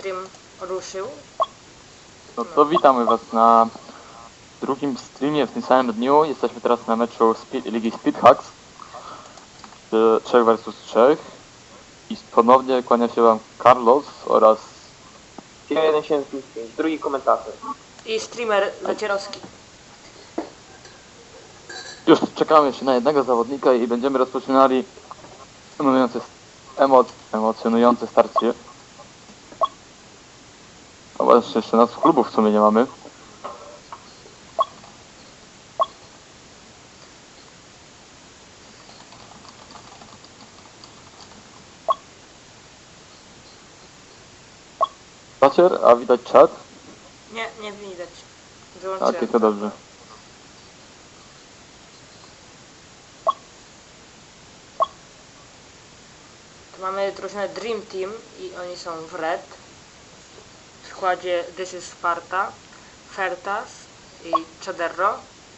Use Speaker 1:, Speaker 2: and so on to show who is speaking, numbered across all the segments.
Speaker 1: stream ruszył.
Speaker 2: No to witamy was na drugim streamie w tym samym dniu. Jesteśmy teraz na meczu Ligi Speedhacks 3 vs 3 i ponownie kłania się wam Carlos oraz
Speaker 3: 175, drugi komentator.
Speaker 1: I streamer Zacierowski.
Speaker 2: już czekamy jeszcze na jednego zawodnika i będziemy rozpoczynali emocjonujące starcie. No właśnie, jeszcze nas w klubów w sumie nie mamy. Zacier, a widać czat?
Speaker 1: Nie widać. Wyłączyłem.
Speaker 2: Tak, to dobrze.
Speaker 1: Tu mamy drużynę Dream Team i oni są w red. W składzie This is Sparta, Fertas i Chaderro.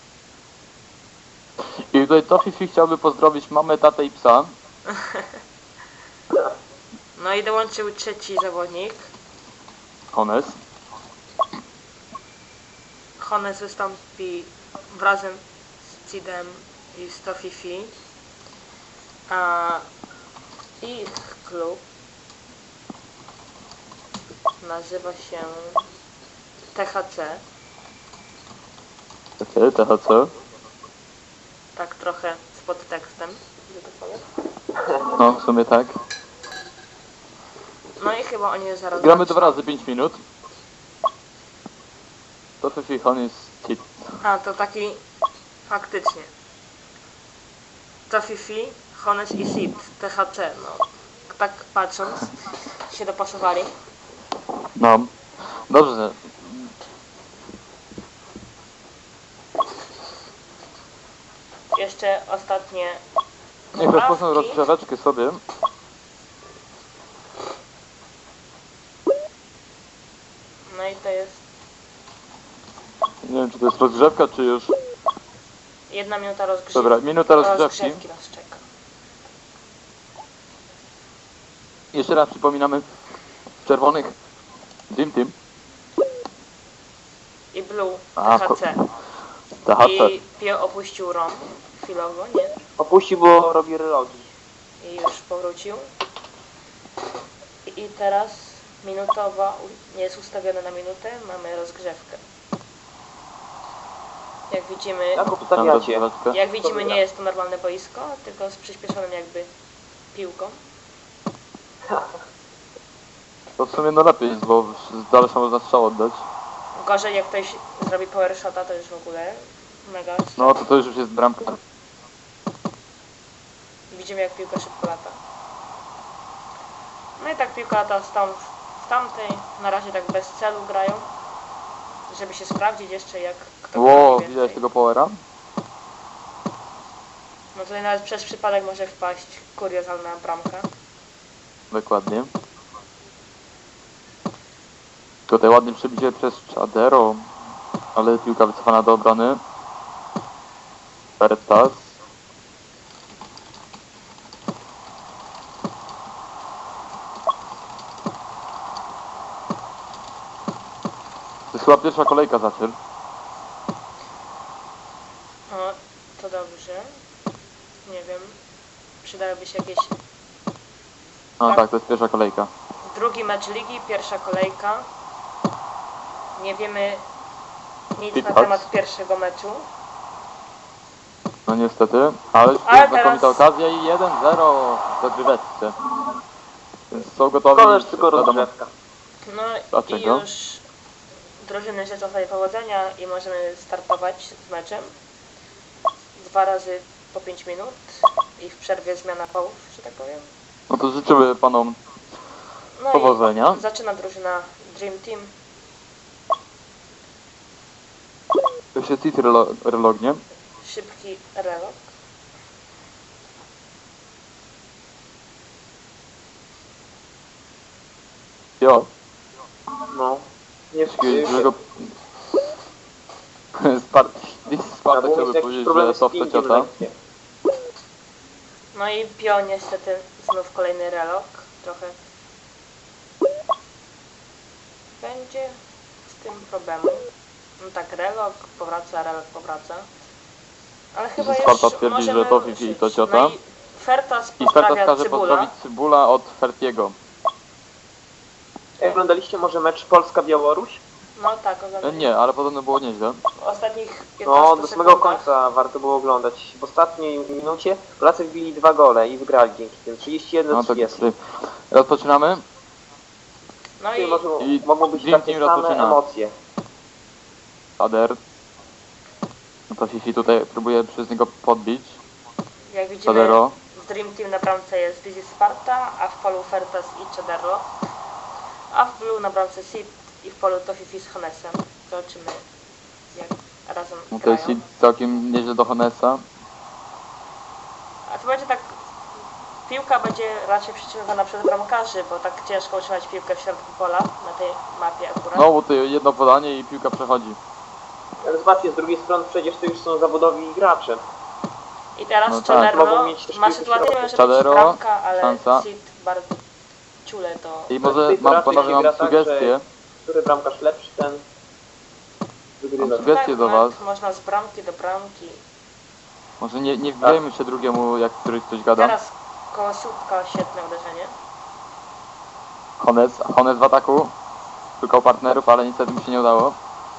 Speaker 2: I tutaj Tofifi chciałby pozdrowić mamę, tatę i psa.
Speaker 1: No i dołączył trzeci zawodnik.
Speaker 2: Hones.
Speaker 1: Hones wystąpi razem z Cidem i z Tofifi. A ich klub nazywa się THC.
Speaker 2: Takie, THC.
Speaker 1: Tak trochę z podtekstem, że tak powiem.
Speaker 2: No, w sumie tak.
Speaker 1: No i chyba oni zaraz
Speaker 2: Gramy
Speaker 1: zaczną.
Speaker 2: 2 razy 5 minut. Tofifi, Hones, Cid.
Speaker 1: A, to taki faktycznie. Tofifi, Hones i Cid, THC, no. Tak patrząc, się dopasowali.
Speaker 2: No. Dobrze.
Speaker 1: Jeszcze ostatnie
Speaker 2: Niech rozpoczną
Speaker 1: poprawki.
Speaker 2: rozgrzeweczkę sobie.
Speaker 1: No i to jest
Speaker 2: Nie wiem, czy to jest rozgrzewka, czy już...
Speaker 1: 1 minuta rozgrzewki.
Speaker 2: Dobra, minuta rozgrzewki.
Speaker 1: nas czeka.
Speaker 2: Jeszcze raz przypominamy czerwonych Dream Team.
Speaker 1: I Blue,
Speaker 2: A,
Speaker 1: THC.
Speaker 2: THC.
Speaker 1: I Pio opuścił ROM chwilowo, nie?
Speaker 3: Opuścił, bo robi relogi.
Speaker 1: I już powrócił. I teraz minutowa, nie jest ustawiona na minutę, mamy rozgrzewkę. Jak widzimy,
Speaker 3: Jak
Speaker 2: Tam
Speaker 3: obstawiacie?
Speaker 2: rozgrzeweczkę.
Speaker 1: jak widzimy nie jest to normalne boisko, tylko z przyspieszonym jakby piłką.
Speaker 2: To w sumie no lepiej jest, bo z dalsza można strzał oddać.
Speaker 1: Gorzej jak ktoś zrobi power shota, to już w ogóle mega.
Speaker 2: No to już jest bramka.
Speaker 1: Widzimy jak piłka szybko lata. No i tak piłka lata stąd w tamtej. Na razie tak bez celu grają. Żeby się sprawdzić jeszcze jak kto
Speaker 2: Ło,
Speaker 1: trafi
Speaker 2: widać
Speaker 1: więcej.
Speaker 2: tego powera?
Speaker 1: No tutaj nawet przez przypadek może wpaść kuriozalna bramka.
Speaker 2: Dokładnie. Tutaj ładnie przebicie przez Chadero, ale piłka wycofana do obrony. Fertas. To jest chyba pierwsza kolejka Zacier.
Speaker 1: O, to dobrze. Nie wiem. Przydałyby się jakieś...
Speaker 2: No
Speaker 1: Tak.
Speaker 2: tak, to jest pierwsza kolejka.
Speaker 1: Drugi mecz ligi, pierwsza kolejka. Nie wiemy nic na
Speaker 2: Speedhacks.
Speaker 1: temat pierwszego meczu.
Speaker 2: No niestety, ale już
Speaker 1: Ale
Speaker 2: jest znakomita
Speaker 1: teraz-
Speaker 2: okazja i 1-0 w dogryweczce. Więc są gotowi.
Speaker 3: To też tylko
Speaker 2: wiadomo.
Speaker 3: rozgrzewka.
Speaker 1: No
Speaker 2: Dlaczego?
Speaker 1: i już drużyny życzą sobie powodzenia i możemy startować z meczem. 2 razy po 5 minut i w przerwie zmiana połów, że tak powiem.
Speaker 2: No to życzymy panom
Speaker 1: No
Speaker 2: powodzenia.
Speaker 1: i zaczyna drużyna Dream Team.
Speaker 2: To się City relognie.
Speaker 1: Szybki relok.
Speaker 2: Jo,
Speaker 3: No. Nie
Speaker 2: takiego dużego... Sparta
Speaker 3: Albo
Speaker 2: chciałby
Speaker 3: mieć jakieś
Speaker 2: powiedzieć,
Speaker 3: problemy
Speaker 2: że
Speaker 3: z
Speaker 2: software
Speaker 3: pingiem
Speaker 2: ciota.
Speaker 3: lekkie.
Speaker 1: No i Pio niestety znów kolejny relok. Trochę będzie z tym problemu. No tak, relok powraca. Ale chyba już
Speaker 2: Sparta twierdzi,
Speaker 1: możemy
Speaker 2: że to Fifi i to
Speaker 1: ruszyć.
Speaker 2: ciota.
Speaker 1: No i Fertas
Speaker 2: I Fertas
Speaker 1: pozdrawia
Speaker 2: każe
Speaker 1: Cybula.
Speaker 2: pozdrowić Cybula od Fertiego.
Speaker 3: Oglądaliście może mecz Polska-Białoruś?
Speaker 1: No tak, oglądam.
Speaker 2: Nie, ale podobno było nieźle.
Speaker 1: W ostatnich 15
Speaker 3: No, do samego
Speaker 1: sekundach.
Speaker 3: końca warto było oglądać. W ostatniej minucie Polacy wbili 2 gole i wygrali dzięki tym. 31
Speaker 2: No tak,
Speaker 3: 30.
Speaker 2: tutaj rozpoczynamy.
Speaker 1: No
Speaker 3: Tutaj
Speaker 1: i
Speaker 2: i
Speaker 3: mogą być
Speaker 2: Dream
Speaker 3: takie
Speaker 2: Team
Speaker 3: same
Speaker 2: rozpoczyna.
Speaker 3: emocje.
Speaker 2: Shader. No to Fifi tutaj próbuje przez niego podbić.
Speaker 1: jak widzimy
Speaker 2: Chadero.
Speaker 1: w Dream Team na bramce jest Dizzy Sparta, a w polu Fertas i Chadero. A w Blue na bramce Sid i w polu to Fifi z Honesem. Zobaczymy jak razem
Speaker 2: No to
Speaker 1: grają.
Speaker 2: jest hit całkiem nieźle do Honesa.
Speaker 1: A to będzie tak, piłka będzie raczej przyciągana przez bramkarzy, bo tak ciężko utrzymać piłkę w środku pola na tej mapie akurat.
Speaker 2: No bo tutaj jedno podanie i piłka przechodzi.
Speaker 3: Ale zobaczcie, z drugiej strony przecież to już są zawodowi gracze.
Speaker 1: I teraz
Speaker 2: No tak.
Speaker 1: Chadero
Speaker 3: Mogą mieć też
Speaker 1: ma
Speaker 3: piłkę w
Speaker 1: sytuację,
Speaker 3: środku.
Speaker 1: że
Speaker 2: Chadero,
Speaker 1: być bramka, ale
Speaker 2: szansa.
Speaker 1: Sid bardzo ciule to...
Speaker 2: I może
Speaker 3: tej
Speaker 2: mam
Speaker 3: raczej
Speaker 2: panowie
Speaker 3: się
Speaker 2: mam
Speaker 3: gra tak,
Speaker 2: sugestię.
Speaker 3: Który bramkarz lepszy, ten wygrywa.
Speaker 2: Mam sugestię
Speaker 1: tak,
Speaker 2: do
Speaker 1: nawet
Speaker 2: was.
Speaker 1: można z bramki do bramki.
Speaker 2: Może nie wbijajmy się drugiemu, jak któryś coś gada.
Speaker 1: Teraz koło słupka świetne uderzenie.
Speaker 2: Hones w ataku. Szukał partnerów, ale niestety mu się nie udało.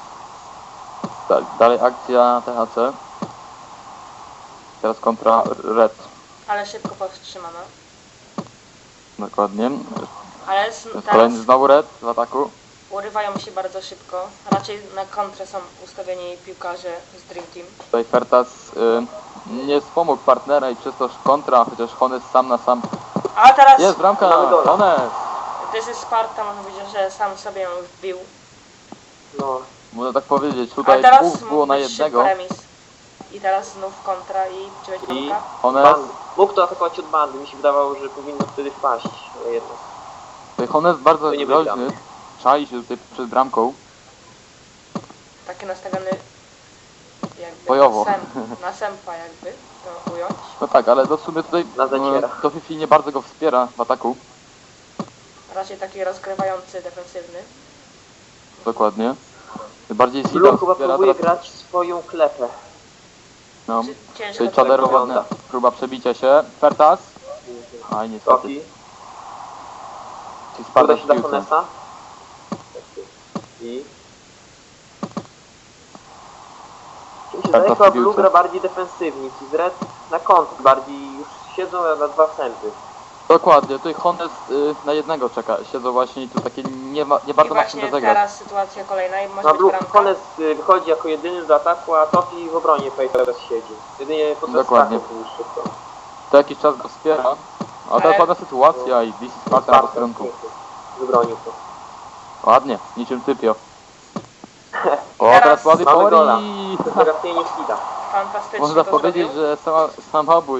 Speaker 2: Dalej akcja THC. Teraz kontra Red.
Speaker 1: Ale szybko powstrzymano.
Speaker 2: Dokładnie.
Speaker 1: Ale
Speaker 2: Teraz
Speaker 1: teraz
Speaker 2: kolejny znowu Red w ataku.
Speaker 1: urywają się bardzo szybko. Raczej na kontrę są ustawieni piłkarze z Dream Team.
Speaker 2: Tutaj Fertas nie wspomógł partnera i przez to kontra, chociaż Hones sam na sam.
Speaker 1: A teraz
Speaker 2: Jest bramka!
Speaker 3: Mamy gola.
Speaker 2: Hones!
Speaker 1: Dizzy Sparta, można powiedzieć, że sam sobie ją wbił.
Speaker 3: No,
Speaker 2: Można tak powiedzieć,
Speaker 1: Ale
Speaker 2: tutaj
Speaker 1: teraz
Speaker 2: dwóch było
Speaker 1: mógł
Speaker 2: na
Speaker 1: być
Speaker 2: jednego.
Speaker 1: szybko remis. I teraz znów kontra i czy będzie
Speaker 3: i
Speaker 1: bramka?
Speaker 2: Hones,
Speaker 3: mógł to atakować od bandy. Mi się wydawało, że powinno wtedy wpaść. Ale jednak.
Speaker 2: tutaj Hones bardzo
Speaker 3: To nie
Speaker 2: groźny.
Speaker 3: wygramy.
Speaker 2: Czai się tutaj przed bramką.
Speaker 1: Taki nastawiony jakby
Speaker 2: Bojowo.
Speaker 1: na sępa jakby to ująć.
Speaker 2: No tak, ale w sumie tutaj
Speaker 3: Na zacierach.
Speaker 2: to Fifi nie bardzo go wspiera w ataku.
Speaker 1: Raczej taki rozgrywający, defensywny.
Speaker 2: Dokładnie. Bardziej Sida
Speaker 3: Blue chyba
Speaker 2: wspiera
Speaker 3: próbuje
Speaker 2: teraz.
Speaker 3: grać swoją klepę.
Speaker 2: No.
Speaker 1: Ciężko
Speaker 2: Tutaj
Speaker 1: to
Speaker 2: Chadero
Speaker 3: wygląda.
Speaker 2: ładna próba przebicia się. Fertas. Aj niestety.
Speaker 3: Sofi,
Speaker 2: Ci spada
Speaker 3: uda
Speaker 2: w
Speaker 3: się dla
Speaker 2: piłce.
Speaker 3: Honesa. I... Mi się
Speaker 2: Tak,
Speaker 3: zdaje,
Speaker 2: to
Speaker 3: chyba
Speaker 2: w piłce.
Speaker 3: Blue gra bardziej defensywnie. Ci z Red na kąt bardziej już siedzą na 2 sępy.
Speaker 2: Dokładnie, tutaj Hones na jednego czeka. Siedzą właśnie i tu takie nie
Speaker 1: I
Speaker 2: bardzo ma czym
Speaker 1: właśnie
Speaker 2: rozegrać.
Speaker 1: teraz sytuacja kolejna i może
Speaker 3: Na
Speaker 1: być
Speaker 3: Blue
Speaker 1: bramka.
Speaker 3: Hones wychodzi jako jedyny do ataku, a Tofi w obronie teraz siedzi. Jedynie podczas
Speaker 2: Dokładnie.
Speaker 3: ataku niż szybko.
Speaker 2: To jakiś czas go wspiera. A teraz ładna sytuacja i Dizzy Sparta na posterunku.
Speaker 3: Wybronił to.
Speaker 2: Ładnie, niczym typio. O,
Speaker 1: Teraz
Speaker 2: teraz ładny
Speaker 3: mamy
Speaker 2: power
Speaker 3: gola.
Speaker 2: i...
Speaker 3: To zagapienie Fida.
Speaker 1: Fantastycznie
Speaker 2: Można
Speaker 1: to
Speaker 2: powiedzieć,
Speaker 1: zrobił.
Speaker 2: że samobój.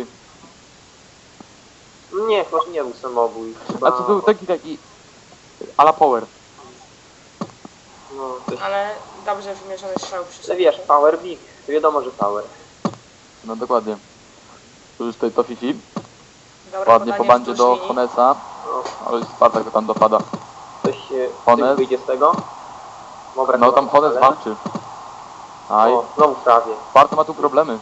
Speaker 3: Nie, chyba nie był samobój. Chyba...
Speaker 2: A to był taki a la power.
Speaker 3: No, coś...
Speaker 1: Ale dobrze wymierzony strzał przy
Speaker 3: Ale
Speaker 1: sobie.
Speaker 3: wiesz, power big. Wiadomo, że power.
Speaker 2: No dokładnie. Tu już tutaj to Fifi.
Speaker 1: Dobre
Speaker 2: Ładnie po
Speaker 1: podanie
Speaker 2: bandzie
Speaker 1: wzdłuż
Speaker 2: do
Speaker 1: linii.
Speaker 2: Honesa.
Speaker 3: No,
Speaker 2: Ale Spartak go tam dopada.
Speaker 3: ktoś
Speaker 2: Hones.
Speaker 3: wyjdzie z tego. Dobra,
Speaker 2: No tam Hones walczy. Aj,
Speaker 3: O, znowu prawie.
Speaker 2: Sparta ma tu problemy.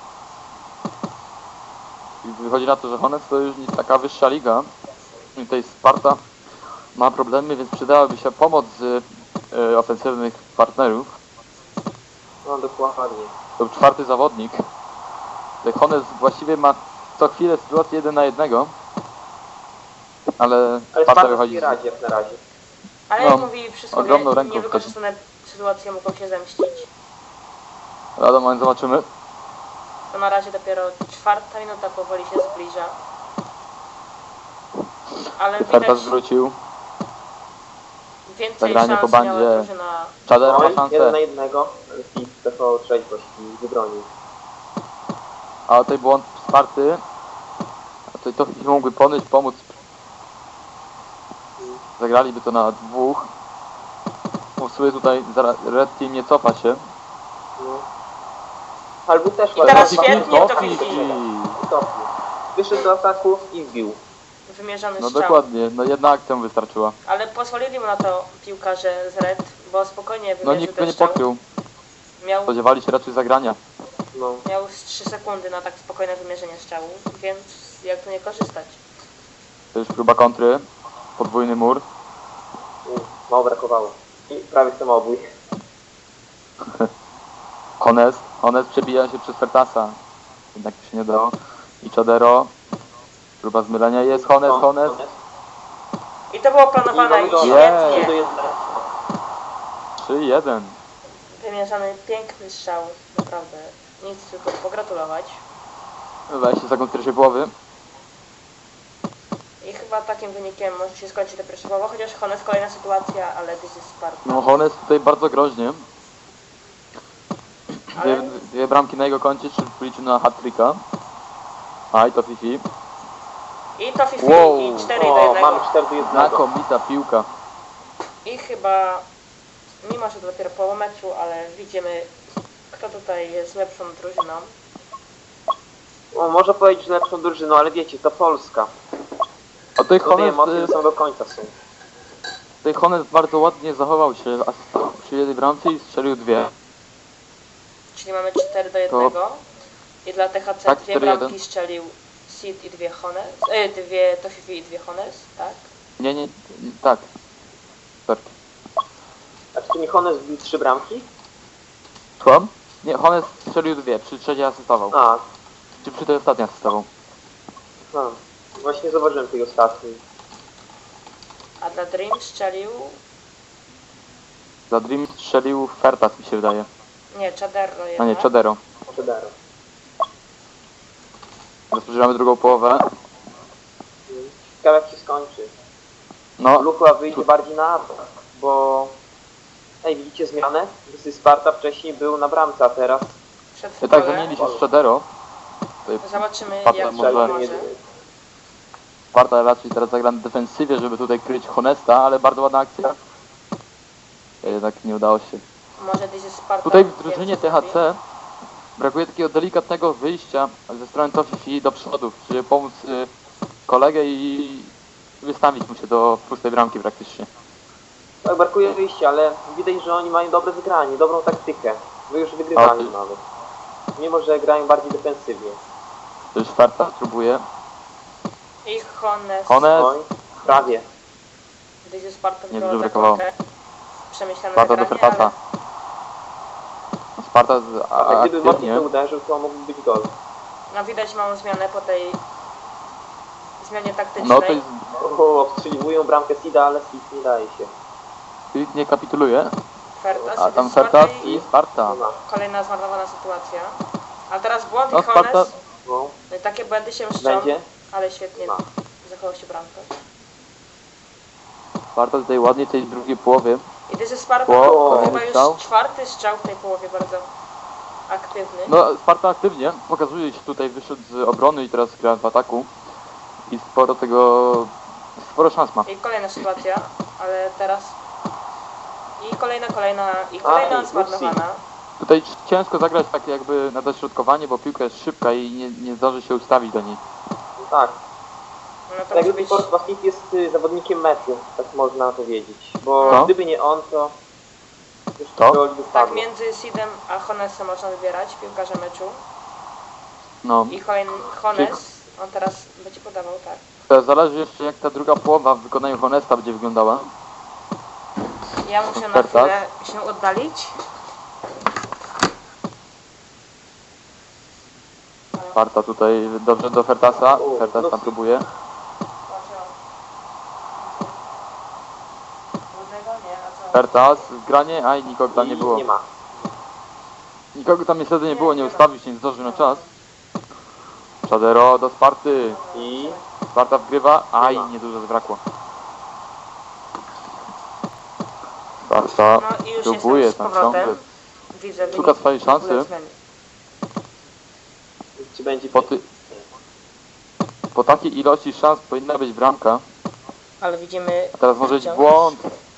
Speaker 2: I wychodzi na to, że Hones to już nie taka wyższa liga. I tutaj Sparta ma problemy, więc przydałaby się pomoc z ofensywnych partnerów.
Speaker 3: No dokładnie.
Speaker 2: To był 4. zawodnik. Tutaj Hones właściwie ma co chwilę sytuację 1 na 1. Ale
Speaker 3: Ale
Speaker 2: Sparta
Speaker 3: Sparta
Speaker 2: wychodzi
Speaker 3: sobie
Speaker 2: z...
Speaker 3: radzi jak na razie.
Speaker 1: Ale
Speaker 2: No,
Speaker 1: jak mówi przysłowie,
Speaker 2: ogromną ręką
Speaker 1: niewykorzystane sytuacje mogą się zemścić.
Speaker 2: Lada moment zobaczymy.
Speaker 1: To na razie dopiero 4. minuta powoli się zbliża. Ale widać
Speaker 2: Fertas wrócił.
Speaker 1: więcej
Speaker 2: Zagranie po
Speaker 1: szans miała
Speaker 2: bandzie.
Speaker 1: drużyna.
Speaker 2: Chadero ma
Speaker 3: No i 1
Speaker 2: szansę.
Speaker 3: na 1. Ale Fid zachował trzeźwość i wybronił.
Speaker 2: A tutaj błąd Sparty. A tutaj to Fifi mógłby pomóc. Zagraliby to na 2. Bo w sumie tutaj Red Team nie cofa się.
Speaker 3: No. Ale był też
Speaker 1: I teraz
Speaker 3: ładny.
Speaker 1: świetnie to
Speaker 2: Fifi.
Speaker 1: Fifi.
Speaker 3: Topi. Wyszedł do ataku i wbił.
Speaker 1: wymierzony
Speaker 2: No
Speaker 1: strzał.
Speaker 2: dokładnie, no jedna akcja mu wystarczyła.
Speaker 1: Ale pozwolili mu na to piłkarze z Red, bo spokojnie
Speaker 2: No
Speaker 1: wymierzył
Speaker 2: nikt go
Speaker 1: ten
Speaker 2: nie
Speaker 1: strzał.
Speaker 2: pokrył.
Speaker 1: Miał,
Speaker 2: Spodziewali się raczej zagrania.
Speaker 3: No.
Speaker 1: miał z 3 sekundy na tak spokojne wymierzenie strzału, więc jak tu nie korzystać?
Speaker 2: To już próba kontry. Podwójny mur.
Speaker 3: Mało brakowało. I prawie samobój.
Speaker 2: Hones przebija się przez Fertasa. Jednak się nie dało. I Chadero. Próba zmylenia jest. Hones.
Speaker 1: I to było planowane i
Speaker 3: do
Speaker 1: świetnie.
Speaker 2: 3-1.
Speaker 1: Wymierzony piękny strzał, naprawdę. Nic tylko pogratulować.
Speaker 2: 20 sekund pierwszej połowy.
Speaker 1: I chyba takim wynikiem może się skończyć ta pierwsza połowa, chociaż Hones kolejna sytuacja, ale this is Sparta.
Speaker 2: No Hones tutaj bardzo groźnie.
Speaker 1: Ale
Speaker 2: Dwie bramki na jego koncie, czy liczy na hat-tricka. A i to Fifi.
Speaker 1: i to Fifi
Speaker 2: Wow.
Speaker 1: i 4 do
Speaker 3: O,
Speaker 1: 1.
Speaker 3: mamy 4 do 1.
Speaker 2: Znakomita piłka.
Speaker 1: I chyba, mimo że to dopiero połowa meczu, ale widzimy, kto tutaj jest lepszą drużyną.
Speaker 3: O, można powiedzieć, że lepszą drużyną, ale wiecie, to Polska.
Speaker 2: A tutaj
Speaker 3: Tutaj
Speaker 2: Hones,
Speaker 3: emocje są do końca są.
Speaker 2: tutaj Hones bardzo ładnie zachował się przy jednej bramce i strzelił dwie.
Speaker 1: Czyli mamy 4 do 1. I dla THC
Speaker 2: Tak,
Speaker 1: 2
Speaker 2: 4-1.
Speaker 1: bramki strzelił Sid i 2 Hones. To Fifi i 2 Hones, tak?
Speaker 2: Nie, tak. Perfekt.
Speaker 3: A czy to nie Hones wbił 3 bramki?
Speaker 2: Słucham? Nie, Hones strzelił dwie, przy trzeciej asystował.
Speaker 3: A,
Speaker 2: Czy przy tej ostatniej asystował.
Speaker 3: właśnie zauważyłem tej ostatniej.
Speaker 1: A dla Dream strzelił...
Speaker 2: Za Dream strzelił Fertas, mi się wydaje.
Speaker 1: Nie, Chaderro
Speaker 2: A
Speaker 1: jednak.
Speaker 2: nie, Chadero.
Speaker 3: Przedaro.
Speaker 2: Rozpoczynamy drugą połowę.
Speaker 3: Ciekawe jak się skończy.
Speaker 2: No,
Speaker 3: Lucha wyjdzie bardziej na atak, bo... Ej, widzicie zmianę? Gdy Sparta wcześniej był na bramce, a teraz...
Speaker 1: Przed
Speaker 2: tak
Speaker 1: futbolem.
Speaker 2: zamienili się z Chadero. Tutaj
Speaker 1: Zobaczymy
Speaker 2: Sparta
Speaker 1: jak
Speaker 2: może-
Speaker 1: to
Speaker 3: nie-
Speaker 1: może.
Speaker 2: Sparta raczej teraz zagra na defensywie, żeby tutaj kryć Honesta, ale bardzo ładna akcja. Jednak nie udało się.
Speaker 1: Może this is Sparta.
Speaker 2: Tutaj w drużynie
Speaker 1: więcej zrobi.
Speaker 2: THC brakuje takiego delikatnego wyjścia ze strony Tofifi do przodu, żeby pomóc kolegę i wystawić mu się do pustej bramki praktycznie.
Speaker 3: Tak, brakuje wyjścia, ale widać, że oni mają dobre wygranie, dobrą taktykę. Wy już wygrywali
Speaker 2: A,
Speaker 3: nawet. Mimo, że grają bardziej defensywnie.
Speaker 2: To już Fertas próbuje.
Speaker 1: I Hones.
Speaker 2: Hones,
Speaker 3: Oj, prawie.
Speaker 1: This is Sparta
Speaker 2: Nie
Speaker 1: wybrała
Speaker 2: dużo brakowało.
Speaker 1: taktykę. Przemyślane
Speaker 2: Sparta do
Speaker 1: zagranie,
Speaker 2: Fertasa. Sparta
Speaker 3: A gdyby mocniej
Speaker 2: aktywnie.
Speaker 3: to uderzył, to mógł być gol.
Speaker 1: No widać małą zmianę po tej zmianie taktycznej.
Speaker 2: No to jest,
Speaker 3: O, obstrzeliwują bramkę Sida, ale Sid nie daje się.
Speaker 2: nie kapituluje.
Speaker 1: Fertas,
Speaker 2: A
Speaker 1: i
Speaker 2: tam
Speaker 1: Sparta
Speaker 2: Fertas
Speaker 1: i
Speaker 2: i Sparta.
Speaker 3: Nie ma.
Speaker 1: kolejna zmarnowana sytuacja. A teraz błąd
Speaker 2: No
Speaker 1: i Hones.
Speaker 2: Sparta,
Speaker 3: No,
Speaker 1: No i takie błędy się mszczą,
Speaker 3: będzie?
Speaker 1: ale świetnie
Speaker 3: Ma.
Speaker 1: zachował się bramkę.
Speaker 2: Sparta tutaj ładnie w tej drugiej połowie.
Speaker 1: I this is Sparta
Speaker 2: O,
Speaker 1: to chyba
Speaker 2: kolejny strzał.
Speaker 1: już 4. strzał w tej połowie, bardzo aktywny.
Speaker 2: No Sparta aktywnie pokazuje się tutaj, wyszedł z obrony i teraz gra w ataku. I sporo szans ma.
Speaker 1: I kolejna sytuacja, ale teraz... I kolejna
Speaker 3: i
Speaker 1: zmarnowana.
Speaker 2: Tutaj ciężko zagrać tak jakby na dośrodkowanie, bo piłka jest szybka i nie zdąży się ustawić do niej.
Speaker 3: no tak.
Speaker 1: No to
Speaker 3: Tak
Speaker 1: musi
Speaker 3: jakby
Speaker 1: być...
Speaker 3: Forrest Sid jest zawodnikiem meczu, tak można powiedzieć. Bo
Speaker 2: No.
Speaker 3: gdyby nie on, to... Już
Speaker 2: To?
Speaker 3: gol by
Speaker 1: Tak,
Speaker 3: wpadło.
Speaker 1: między Sidem a Honesem można wybierać piłkarza meczu.
Speaker 2: No.
Speaker 1: I Hones, on teraz będzie podawał, tak.
Speaker 2: To zależy jeszcze jak ta druga połowa w wykonaniu Honesta będzie wyglądała.
Speaker 1: Ja muszę na
Speaker 2: Fertas.
Speaker 1: chwilę się oddalić.
Speaker 2: Sparta tutaj dobrze do Fertasa.
Speaker 3: O,
Speaker 2: Fertas
Speaker 3: no.
Speaker 2: tam próbuje.
Speaker 1: Trudnego nie, a co?
Speaker 2: Fertas w granie, a i nikogo tam nie było.
Speaker 3: Nie ma.
Speaker 2: Nikogo tam niestety nie było, nie ustawił się, nie zdążył na czas. Chadero do Sparty.
Speaker 3: I...
Speaker 2: Sparta wgrywa, a i
Speaker 3: Nie ma.
Speaker 2: niedużo zabrakło. Sparta
Speaker 1: No i już
Speaker 2: próbuje
Speaker 1: jestem z
Speaker 2: tam ciągle.
Speaker 1: powrotem. Widzę
Speaker 2: Szuka
Speaker 1: wynik
Speaker 2: swojej szansy.
Speaker 1: zmiany.
Speaker 3: Czy będzie...
Speaker 2: Po takiej ilości szans powinna być bramka.
Speaker 1: Ale widzimy...
Speaker 2: A teraz może być
Speaker 1: wciąż.
Speaker 2: błąd.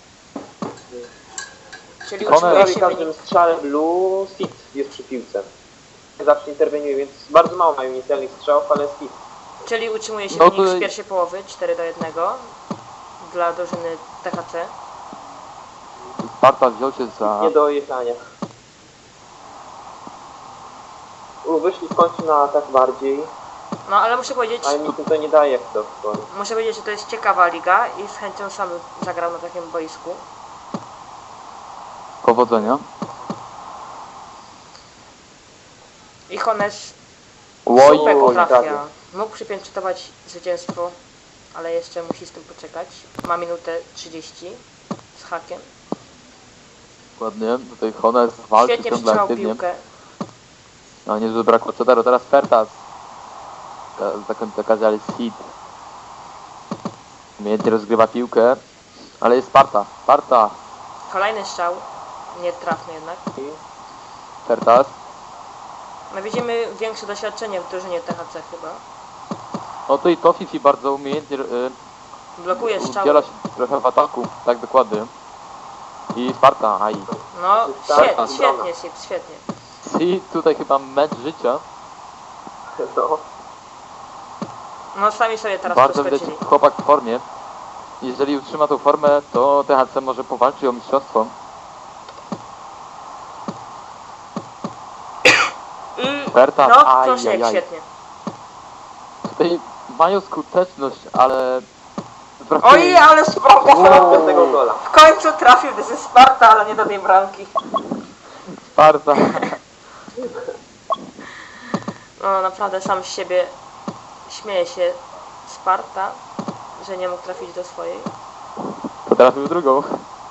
Speaker 1: Czyli
Speaker 2: Hones.
Speaker 1: utrzymuje
Speaker 3: Prawie
Speaker 1: się
Speaker 3: każdym
Speaker 1: wynik.
Speaker 3: strzale Blue Sid jest przy piłce. Zawsze interweniuje, więc bardzo mało mają niecelnych strzałów, ale Sid
Speaker 1: Czyli utrzymuje się
Speaker 2: No
Speaker 1: wynik
Speaker 2: to-
Speaker 1: z pierwszej połowy 4-1 dla drużyny THC.
Speaker 2: Sparta wziął się za...
Speaker 3: Nie do jechania. Wyszli w końcu na atak bardziej,
Speaker 1: No ale muszę powiedzieć,
Speaker 3: ale nic mi to nie daje jak do szkoły.
Speaker 1: że to jest ciekawa liga i z chęcią sam zagrał na takim boisku.
Speaker 2: Powodzenia.
Speaker 1: I Hones
Speaker 2: Oj,
Speaker 1: super
Speaker 3: oj,
Speaker 1: trafia.
Speaker 3: prawie.
Speaker 1: Mógł przypieczętować zwycięstwo, ale jeszcze musi z tym poczekać. Ma minutę 30 z hakiem.
Speaker 2: ładnie. Tutaj Hones walczy
Speaker 1: Świetnie
Speaker 2: ciągle
Speaker 1: przytrzymał
Speaker 2: aktywnie.
Speaker 1: piłkę.
Speaker 2: No niezły brakło Cedaro, teraz Fertas. Zakończy okazję, ale jest hit. Umiejętnie rozgrywa piłkę. Ale jest Sparta. Sparta.
Speaker 1: Kolejny strzał. Nietrafny jednak.
Speaker 2: Fertas.
Speaker 1: No widzimy większe doświadczenie w drużynie THC chyba.
Speaker 2: No tutaj Tofifi bardzo umiejętnie
Speaker 1: Blokuje strzały.
Speaker 2: udziela się trochę w ataku. Tak, dokładnie. I Sparta, aj.
Speaker 1: No
Speaker 3: Tak,
Speaker 1: świetnie, świetnie, Sips, świetnie.
Speaker 2: I tutaj chyba mecz życia.
Speaker 3: No,
Speaker 1: No sami sobie teraz
Speaker 2: Bardzo widać
Speaker 1: przeskoczyli.
Speaker 2: chłopak w formie. Jeżeli utrzyma tą formę, to THC może powalczyć o mistrzostwo.
Speaker 1: I
Speaker 2: Fertas,
Speaker 1: no
Speaker 2: aj,
Speaker 1: proszę
Speaker 2: aj,
Speaker 1: jak
Speaker 2: aj.
Speaker 1: świetnie.
Speaker 2: Tutaj mają skuteczność, ale... brakuje
Speaker 1: Oj,
Speaker 2: im-
Speaker 1: ale spoko!
Speaker 3: do tego gola.
Speaker 1: W końcu trafił ze Sparta, ale nie do tej bramki.
Speaker 2: Sparta.
Speaker 1: No naprawdę sam z siebie śmieje się Sparta, że nie mógł trafić do swojej.
Speaker 2: Potrafił drugą.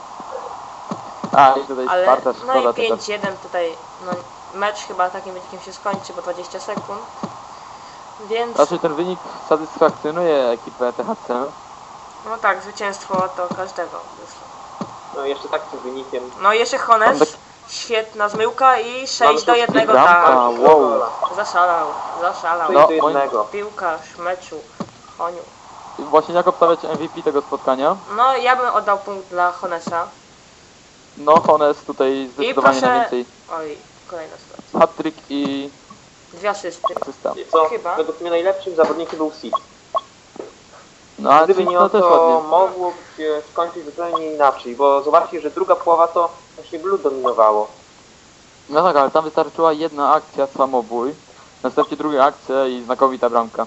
Speaker 2: A, i tutaj
Speaker 1: Ale
Speaker 2: Sparta,
Speaker 1: no i
Speaker 2: szkoda tego.
Speaker 1: 5-1 tutaj, no mecz chyba takim wynikiem się skończy, bo 20 sekund. Więc
Speaker 2: Znaczy ten wynik satysfakcjonuje ekipę THC.
Speaker 1: no tak, zwycięstwo to każdego wyszło.
Speaker 3: No jeszcze takim wynikiem.
Speaker 1: No i jeszcze Hones,
Speaker 2: Tam
Speaker 1: świetna zmyłka i 6
Speaker 3: Mamy
Speaker 1: do
Speaker 3: tu
Speaker 1: 1,
Speaker 2: bramka.
Speaker 1: tak.
Speaker 2: Wow.
Speaker 1: Zaszalał.
Speaker 3: To
Speaker 2: No,
Speaker 3: jest do
Speaker 2: moim-
Speaker 3: jednego.
Speaker 1: Piłkarz meczu, Honiu.
Speaker 2: I właśnie jak obstawiać MVP tego spotkania?
Speaker 1: No ja bym oddał punkt dla Honesa.
Speaker 2: No Hones tutaj zdecydowanie
Speaker 1: proszę-
Speaker 2: najwięcej.
Speaker 1: Oj, kolejna sytuacja.
Speaker 2: Hat-trick i
Speaker 1: 2 asysty.
Speaker 2: asysta.
Speaker 3: I co?
Speaker 1: Chyba.
Speaker 3: Według mnie najlepszym zawodnikiem był Sid.
Speaker 2: No a
Speaker 3: Gdyby nie
Speaker 2: to
Speaker 3: on,
Speaker 2: też
Speaker 3: to
Speaker 2: ładnie.
Speaker 3: mogło się skończyć zupełnie inaczej, bo zobaczcie, że druga połowa to właśnie Blue dominowało.
Speaker 2: No tak, ale tam wystarczyła jedna akcja, samobój. Następnie druga akcja i znakowita bramka.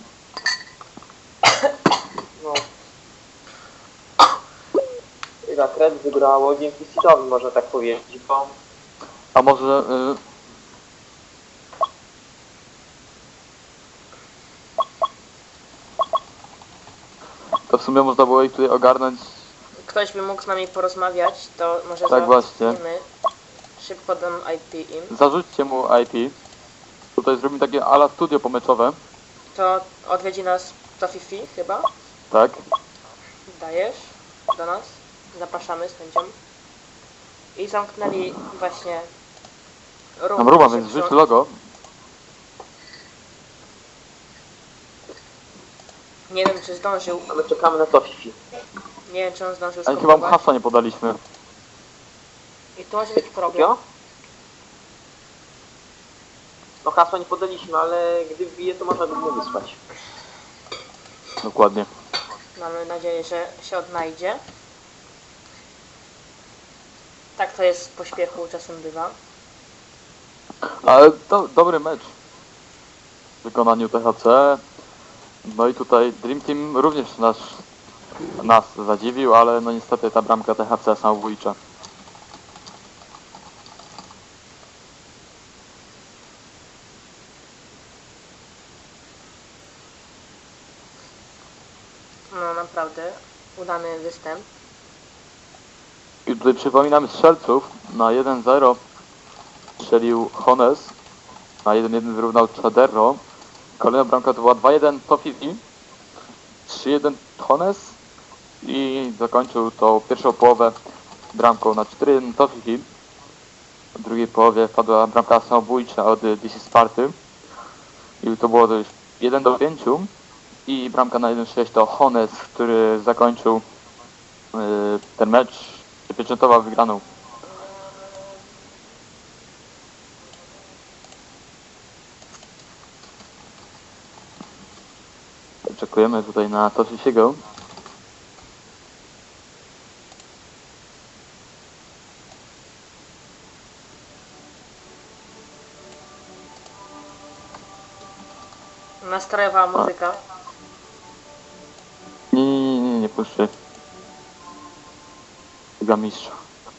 Speaker 3: No. I tak, Red wygrało dzięki Sidowi, można tak powiedzieć, bo
Speaker 2: A może... To w sumie można było ich tutaj ogarnąć.
Speaker 1: Ktoś by mógł z nami porozmawiać, to może
Speaker 2: Tak właśnie.
Speaker 1: załatwimy. Szybko dam IP im.
Speaker 2: Zarzućcie mu IP. Tutaj zrobimy takie ala studio pomeczowe.
Speaker 1: To odwiedzi nas Tofifi chyba.
Speaker 2: Tak.
Speaker 1: Dajesz do nas. Zapraszamy z chęcią. I zamknęli właśnie
Speaker 2: Mam ruba,
Speaker 1: się
Speaker 2: więc
Speaker 1: przy-
Speaker 2: rzuć logo.
Speaker 1: Nie wiem czy zdążył.
Speaker 3: a my czekamy na to Fifi.
Speaker 1: Nie wiem czy on zdążył
Speaker 2: Ale chyba mu
Speaker 1: skończyć.
Speaker 2: hasła nie podaliśmy.
Speaker 1: I tu może być problem.
Speaker 3: Jo? No hasła nie podaliśmy, ale gdy wbije, to można by mu wysłać.
Speaker 2: Dokładnie.
Speaker 1: Mamy nadzieję, że się odnajdzie. Tak to jest w pośpiechu, czasem bywa.
Speaker 2: Ale to dobry mecz. W wykonaniu THC. No i tutaj Dream Team również nas zadziwił, ale no niestety ta bramka THC samobójcza.
Speaker 1: No naprawdę, udany występ.
Speaker 2: I tutaj przypominamy strzelców. Na 1-0 strzelił Hones. Na 1-1 wyrównał Chaderro. Kolejna bramka to była 2-1 Tofifi. 3-1 Hones. I zakończył tą pierwszą połowę bramką na 4-1 Tofifi. W drugiej połowie padła bramka samobójcza od DC Sparty. I to było to już 1-5. I bramka na 1-6 to Hones, który zakończył ten mecz, przypieczętował wygraną. wyczekujemy tutaj na Tofifiego.
Speaker 1: Nastrojowa muzyka.
Speaker 2: Nie puszczę. Dla mistrza.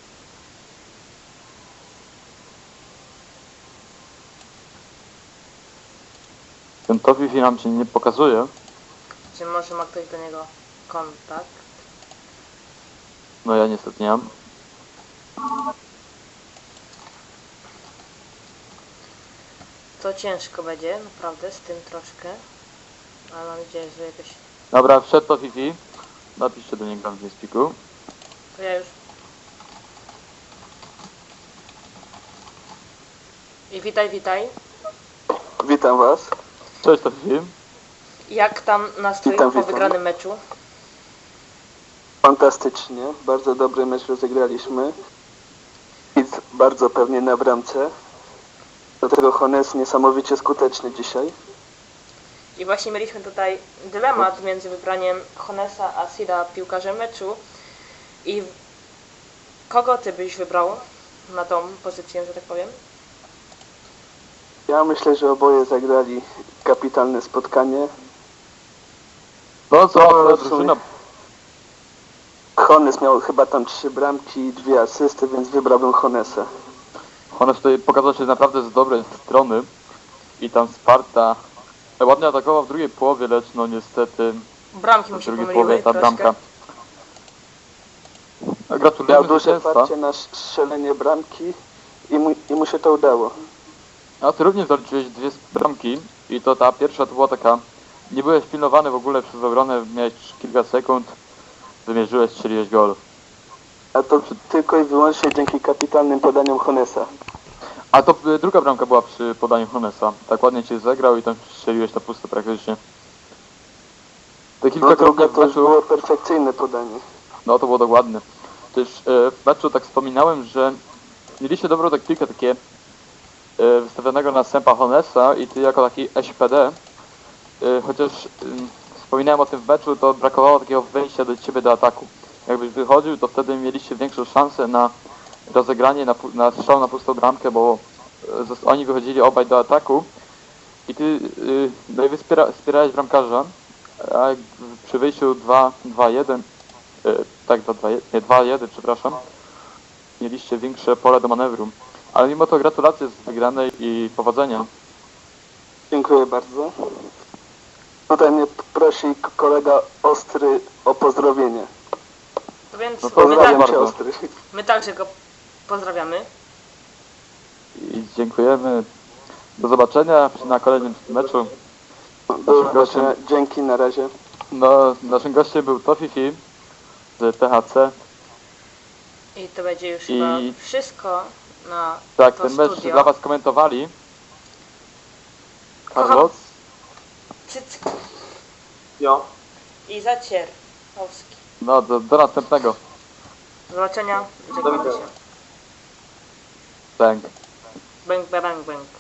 Speaker 2: Ten Tofifi nam się nie pokazuje.
Speaker 1: Czy może ma ktoś do niego kontakt?
Speaker 2: No ja niestety nie mam.
Speaker 1: To ciężko będzie, naprawdę, z tym troszkę. Ale mam nadzieję, że jakoś...
Speaker 2: Dobra, wszedł Tofifi. Napiszcie do niego w Spiku.
Speaker 1: To ja już... I witaj.
Speaker 4: Witam Was.
Speaker 2: Cześć Tofifi.
Speaker 1: Jak tam nastrój
Speaker 4: Witam,
Speaker 1: po
Speaker 4: witam.
Speaker 1: wygranym meczu?
Speaker 4: Fantastycznie. Bardzo dobry mecz rozegraliśmy. I bardzo pewnie na bramce. Do tego Hones niesamowicie skuteczny dzisiaj.
Speaker 1: I właśnie mieliśmy tutaj dylemat między wybraniem Honesa a Sida piłkarzem meczu. I kogo ty byś wybrał na tą pozycję, że tak powiem?
Speaker 4: Ja myślę, że oboje zagrali kapitalne spotkanie.
Speaker 2: No co,
Speaker 4: No, w
Speaker 2: drużyna...
Speaker 4: sumie- Hones miał chyba tam 3 bramki i 2 asysty, więc wybrałbym Honesa.
Speaker 2: Hones tutaj pokazał się naprawdę z dobrej strony. I tam Sparta ładnie atakował w drugiej połowie, lecz no niestety
Speaker 1: Bramki mu
Speaker 2: w
Speaker 1: się
Speaker 2: drugiej
Speaker 1: pomyliły
Speaker 2: połowie ta
Speaker 1: troszkę.
Speaker 2: bramka.
Speaker 4: Miał
Speaker 2: Gratulujemy
Speaker 4: duże
Speaker 2: zwycięstwa.
Speaker 4: parcie na strzelenie bramki i mu się to udało.
Speaker 2: A ty również zaliczyłeś 2 bramki i to ta pierwsza to była taka... Nie byłeś pilnowany w ogóle przez obronę, miałeś kilka sekund, wymierzyłeś, strzeliłeś gol.
Speaker 4: A to tylko i wyłącznie dzięki kapitalnym podaniom Honesa.
Speaker 2: A to druga bramka była przy podaniu Honesa. Tak ładnie cię zagrał i tam strzeliłeś na pusto praktycznie. To
Speaker 4: No
Speaker 2: kilkakrotnie
Speaker 4: druga
Speaker 2: w
Speaker 4: to już
Speaker 2: meczu...
Speaker 4: było perfekcyjne podanie.
Speaker 2: No to było dokładne. Też w meczu tak wspominałem, że mieliście dobrą taktykę, takie wystawionego następa Honesa i ty jako taki SPD, chociaż wspominałem o tym w meczu, to brakowało takiego wejścia do ciebie do ataku. Jakbyś wychodził, to wtedy mieliście większą szansę na rozegranie, na strzał na pustą bramkę, bo oni wychodzili obaj do ataku i ty no i wspierałeś bramkarza, a przy wyjściu 2-1 tak, 2-1, przepraszam. Mieliście większe pole do manewru. Ale mimo to gratulacje z wygranej i powodzenia.
Speaker 4: Dziękuję bardzo. Tutaj mnie prosi kolega Ostry o pozdrowienie.
Speaker 1: Więc
Speaker 2: No
Speaker 1: my,
Speaker 4: Pozdrawiam
Speaker 2: bardzo.
Speaker 4: Cię, Ostry.
Speaker 1: my także go pozdrawiamy.
Speaker 2: I dziękujemy. Do zobaczenia na kolejnym meczu.
Speaker 4: Do zobaczenia. Dzięki, na razie.
Speaker 2: No, naszym gościem był Tofifi z THC.
Speaker 1: I to będzie już
Speaker 2: I-
Speaker 1: chyba wszystko na
Speaker 2: Tak,
Speaker 1: to
Speaker 2: ten mecz
Speaker 1: studio.
Speaker 2: dla Was komentowali Carlos
Speaker 1: Cyck
Speaker 3: Jo.
Speaker 1: i Zacierowski.
Speaker 2: No, do następnego.
Speaker 1: Do zobaczenia.
Speaker 3: Do
Speaker 1: Żegnamy
Speaker 3: widzenia.
Speaker 1: się.
Speaker 2: Thank.
Speaker 1: Bang, bang, bang.